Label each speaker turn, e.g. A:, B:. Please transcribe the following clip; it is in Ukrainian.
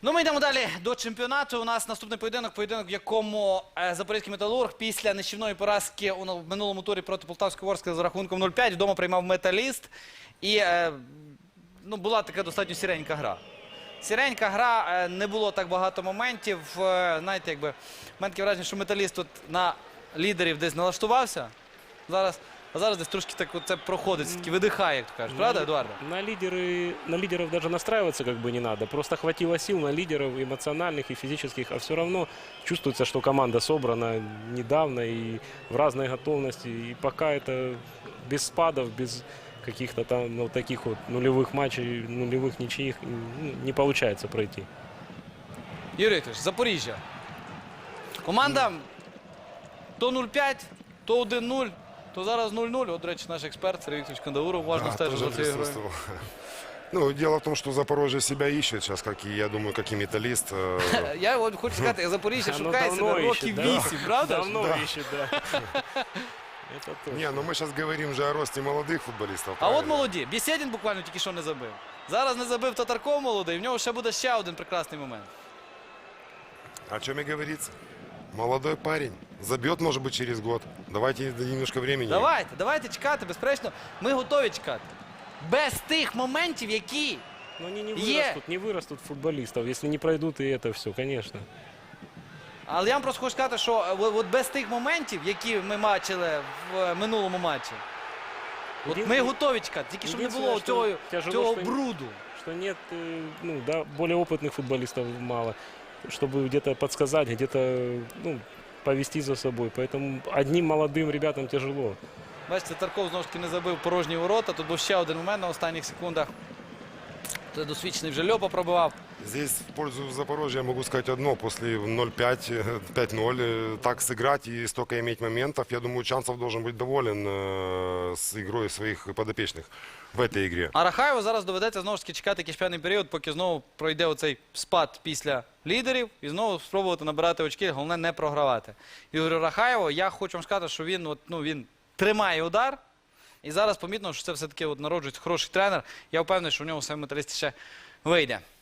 A: Ну, ми йдемо далі до чемпіонату. У нас наступний поєдинок, в якому Запорізький Металург після нищівної поразки в минулому турі проти Полтавської Ворскли за рахунком 0-5 вдома приймав Металіст. І була така достатньо сіренька гра. Сіренька гра, не було так багато моментів. Знаєте, якби, в мене таке враження, що Металіст тут на лідерів десь налаштувався. А зараз десь трошки так це проходить, все-таки видихає, як то кажуть. Правда, Едуарда?
B: На лидеров даже настраиваться как бы не надо. Просто хватило сил на лидеров эмоциональных и физических. А все равно чувствуется, что команда собрана недавно и в разной готовности. И пока это без спадов, без каких-то там таких вот нулевых матчей, нулевых ничьих не получается пройти.
A: Юрій Вікторович, Запоріжжя. Команда то 0-5, то 1-0. То зараз 0-0. От, до речі, наш експерт Сергій Вікторович Кандауров уважно стежить за цією грою.
C: Ну, дело в том, что Запорожье себя ищет сейчас, как и, я думаю, как и Металлист.
A: Я от хочу сказати, Запоріжжя шукає себе років 8, правда?
B: Давно ищет, да.
C: Не, ну мы сейчас говорим же о росте молодых футболистов.
A: А от молоді. Бєсєдін буквально тільки що не забив. Зараз не забив Татарков молодий, в нього ще буде ще один прекрасний момент.
C: О чем и говорится. Молодой парень. Забьет, может быть, через год. Давайте немножко времени.
A: Давайте чекати, безперечно. Ми готові чекати. Без тих моментів, які
B: Но они
A: є.
B: не вырастут футболистов, если не пройдут и это все, конечно.
A: Але я вам просто хочу сказати, що от без тих моментів, які ми бачили в минулому матчі, от ми готові чекати. Тільки щоб не було цього бруду.
B: Что нет, более опытных футболистов мало, чтобы где-то подсказать, где-то повести за собой. Поэтому одним молодым ребятам тяжело.
A: Бачите, Тарков знову ж таки не забив порожні ворота. Тут був ще один момент на останніх секундах. Це досвідчений вже Льопа пробивав.
C: Здесь в пользу Запорожья могу сказать одно. После 0-5, 5-0 так сыграть и столько иметь моментов, я думаю, Чанцев должен быть доволен с игрой своих подопечных в этой игре.
A: А Рахаєву зараз доведеться знову ж таки чекати якийсь певний період, поки знову пройде оцей спад після лідерів і знову спробувати набирати очки, головне не програвати. Ігорю Рахаєву, я хочу вам сказати, що він тримає удар. І зараз помітно, що це все-таки народжується хороший тренер. Я впевнений, що в нього саме Металіст ще вийде.